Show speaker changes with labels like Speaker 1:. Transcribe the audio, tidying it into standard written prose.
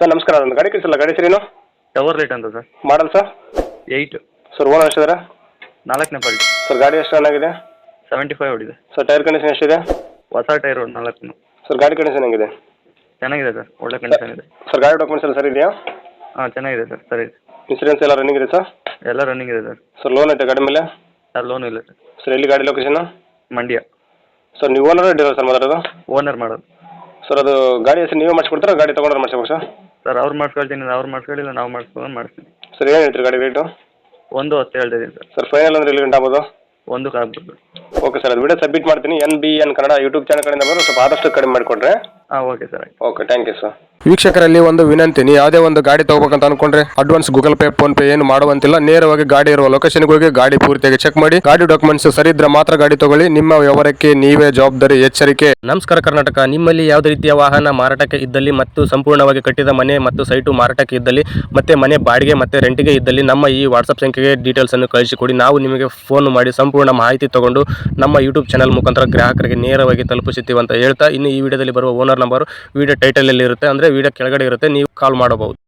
Speaker 1: Sir ನಮಸ್ಕಾರ, ಒಂದು ಗಾಡಿ ಕಳಿಸಲ್ಲ, ಗಾಡಿ ಸರಿನು
Speaker 2: ಟವರ್ ಲೈಟ್ ಅಂತ sir.
Speaker 1: Model sir?
Speaker 2: 8
Speaker 1: sir owner ಎಷ್ಟಿದ್ದಾರೆ?
Speaker 2: 4ನೇ ಪಾರ್ಟಿ.
Speaker 1: ಸರ್ ಗಾಡಿ ಎಷ್ಟು ರನ್ ಆಗಿದೆ?
Speaker 2: 75 ಹೊಡಿದೆ
Speaker 1: ಸರ್ ಟೈರ್ ಕಂಡೀಷನ್ ಎಷ್ಟಿದೆ?
Speaker 2: ಹೊಸ ಟೈರ್ 4.
Speaker 1: ಸರ್ ಗಾಡಿ ಕಂಡೀಷನ್ ಹೆಂಗಿದೆ?
Speaker 2: ಚೆನ್ನಾಗಿದೆ ಸರ್, ಒಳ್ಳೆ ಕಂಡೀಷನ್ ಇದೆ.
Speaker 1: ಸರ್ ಗಾಡಿ ಡಾಕ್ಯುಮೆಂಟ್ಸ್ ಎಲ್ಲ ಸರಿ ಇದೆಯಾ?
Speaker 2: ಹಾಂ ಚೆನ್ನಾಗಿದೆ ಸರ್, ಸರಿ ಇದೆ.
Speaker 1: ಇನ್ಸೂರೆನ್ಸ್ ಎಲ್ಲ ರನ್ನಿಂಗ್ ಇದೆ ಸರ್?
Speaker 2: ಎಲ್ಲ ರನ್ನಿಂಗ್ ಇದೆ ಸರ್.
Speaker 1: ಸರ್ ಲೋನ್ ಐತೆ ಗಾಡಿ ಮೇಲೆ?
Speaker 2: ಸರ್ ಲೋನ್ ಇಲ್ಲ ಸರ್.
Speaker 1: ಸರ್ ಎಲ್ಲಿ ಗಾಡಿ ಲೊಕೇಶನ್?
Speaker 2: ಮಂಡ್ಯ.
Speaker 1: ಸರ್ ನೀವು ಓನರ್ ಡೀಲರ್ ಸರ್ ಮಾತಾಡೋದು?
Speaker 2: ಓನರ್ ಮಾಡೋದು
Speaker 1: ಸರ್ ಅದು ಗಾಡಿ ಹೆಸರು ನೀವೇ ಮಾಡಿಸ್ಕೊಡ್ತಾರಾ, ಗಾಡಿ ತೊಗೊಂಡ್ರೆ ಮಾಡಿಸ್ಬೇಕು ಸರ್?
Speaker 2: ಸರ್ ಅವ್ರು ಮಾಡಿಸ್ಕೊಳ್ತೀನಿ, ಅವ್ರು ಮಾಡಿಸ್ಕೊಳ್ಳಿಲ್ಲ ನಾವು ಮಾಡಿಸ್ಕೊಂಡು ಮಾಡಿಸ್ತೀನಿ.
Speaker 1: ಸರ್ ಏನು ಹೇಳ್ತೀರಿ ಗಾಡಿ ರೇಟು?
Speaker 2: 1.10 ಹೇಳ್ತಿದ್ದೀನಿ ಸರ್.
Speaker 1: ಸರ್ ಫೈನಲ್ ಅಂದ್ರೆ ಎಲ್ಲಿ ಗಂಟೆ ಆಗ್ಬೋದು?
Speaker 2: 1 ಆಗ್ಬೋದು.
Speaker 1: ಓಕೆ ಸರ್, ಅದು ವಿಡಿಯೋ ಸಬ್ಮಿಟ್ ಮಾಡ್ತೀನಿ. NBN ಕನ್ನಡ ಯೂಟ್ಯೂಬ್ ಚಾನಲ್ ಕಡೆಯಿಂದ ಬಂದರೆ ಸ್ವಲ್ಪ ಆದಷ್ಟು ಕಡಿಮೆ ಮಾಡಿಕೊಡ್ರೆ.
Speaker 2: ಹಾಂ okay sir.
Speaker 1: Okay, thank you sir.
Speaker 3: ವೀಕ್ಷಕರಲ್ಲಿ ಒಂದು ವಿನಂತಿ, ನೀವು ಯಾವುದೇ ಒಂದು ಗಾಡಿ ತಗೋಬೇಕಂತ ಅನ್ಕೊಂಡ್ರೆ advance Google Pay PhonePe ಏನು ಮಾಡುವಂತಿಲ್ಲ. ನೇರವಾಗಿ ಗಾಡಿ ಇರುವ ಲೊಕೇಶನ್ಗೆ ಹೋಗಿ ಗಾಡಿ ಪೂರ್ತಿಯಾಗಿ ಚೆಕ್ ಮಾಡಿ, ಗಾಡಿ ಡಾಕ್ಯುಮೆಂಟ್ಸ್ ಸರಿ ಇದ್ರೆ ಮಾತ್ರ ಗಾಡಿ ತಗೊಳ್ಳಿ. ನಿಮ್ಮ ವ್ಯವಹಾರಕ್ಕೆ ನೀವೇ ಜವಾಬ್ದಾರಿ. ಎಚ್ಚರಿಕೆ. ನಮಸ್ಕಾರ ಕರ್ನಾಟಕ. ನಿಮ್ಮಲ್ಲಿ ಯಾವುದೇ ರೀತಿಯ ವಾಹನ ಮಾರಾಟಕ್ಕೆ ಇದ್ದಲ್ಲಿ ಮತ್ತು ಸಂಪೂರ್ಣವಾಗಿ ಕಟ್ಟಿದ ಮನೆ ಮತ್ತು ಸೈಟು ಮಾರಾಟಕ್ಕೆ ಇದ್ದಲ್ಲಿ ಮತ್ತೆ ಮನೆ ಬಾಡಿಗೆ ಮತ್ತೆ ರೆಂಟಿಗೆ ಇದ್ದಲ್ಲಿ ನಮ್ಮ ಈ ವಾಟ್ಸಪ್ ಸಂಖ್ಯೆಗೆ ಡೀಟೇಲ್ಸ್ ಅನ್ನು ಕಳಿಸಿಕೊಡಿ. ನಾವು ನಿಮಗೆ ಫೋನ್ ಮಾಡಿ ಸಂಪೂರ್ಣ ಮಾಹಿತಿ ತಗೊಂಡು ನಮ್ಮ ಯೂಟ್ಯೂಬ್ ಚಾನಲ್ ಮುಖಾಂತರ ಗ್ರಾಹಕರಿಗೆ ನೇರವಾಗಿ ತಲುಪಿಸುತ್ತೀವಿ ಅಂತ ಹೇಳ್ತಾ, ಇನ್ನು ಈ ವಿಡಿಯೋದಲ್ಲಿ ಬರುವ ಓನರ್ ನಂಬರ್ ವಿಡಿಯೋ ಟೈಟಲ್ ಅಲ್ಲಿ ಇರುತ್ತೆ, ಅಂದ್ರೆ ವಿಡಿಯೋ ಕೆಳಗಡೆ ಇರುತ್ತೆ, ನೀವು ಕಾಲ್ ಮಾಡಬಹುದು.